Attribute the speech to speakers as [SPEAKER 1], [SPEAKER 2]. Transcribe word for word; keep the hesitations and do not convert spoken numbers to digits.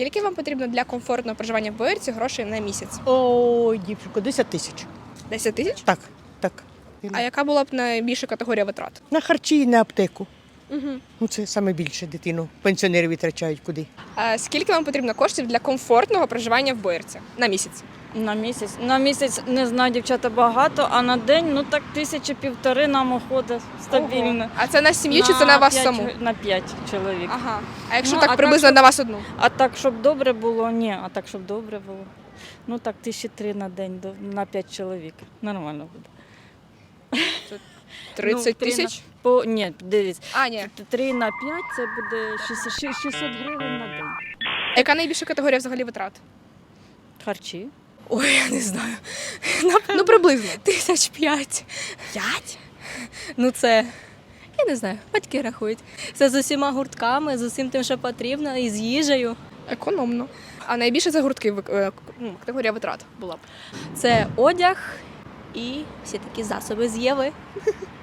[SPEAKER 1] Скільки вам потрібно для комфортного проживання в Боярці грошей на місяць?
[SPEAKER 2] Ой, дівчинко, десять тисяч.
[SPEAKER 1] десять тисяч?
[SPEAKER 2] Так, так.
[SPEAKER 1] А яка була б найбільша категорія витрат?
[SPEAKER 2] На харчі і на аптеку.
[SPEAKER 1] Угу.
[SPEAKER 2] Ну, це саме більше дитину. Пенсіонери витрачають куди.
[SPEAKER 1] А скільки вам потрібно коштів для комфортного проживання в Боярці на місяць?
[SPEAKER 3] На місяць. На місяць, не знаю, дівчата, багато, а на день, ну так тисячі півтори нам уходить стабільно.
[SPEAKER 1] А це на сім'ю чи це на вас
[SPEAKER 3] п'ять
[SPEAKER 1] саму?
[SPEAKER 3] чо- На п'ять чоловік.
[SPEAKER 1] Ага. А якщо
[SPEAKER 3] Ну,
[SPEAKER 1] так
[SPEAKER 3] а так,
[SPEAKER 1] приблизно
[SPEAKER 3] щоб-
[SPEAKER 1] на вас одну?
[SPEAKER 3] А так, щоб добре було, ні, а так, щоб добре було. Ну так, тисячі три на день до- на п'ять чоловік. Нормально буде.
[SPEAKER 1] тридцять
[SPEAKER 3] Ну, три
[SPEAKER 1] тисяч?
[SPEAKER 3] на- По, ні, дивіться,
[SPEAKER 1] А, ні.
[SPEAKER 3] три на п'ять це буде шістсот шістсот гривень на день.
[SPEAKER 1] А яка найбільша категорія взагалі витрат?
[SPEAKER 3] Харчі.
[SPEAKER 4] Ой, я не знаю.
[SPEAKER 1] Ну, приблизно.
[SPEAKER 4] Тисяч п'ять. П'ять? Ну це, я не знаю, батьки рахують. Це з усіма гуртками, з усім тим, що потрібно, і з їжею.
[SPEAKER 1] Економно. А найбільше за гуртки вик- е, ну, категорія витрат була б.
[SPEAKER 4] Це одяг і всі такі засоби з Єви.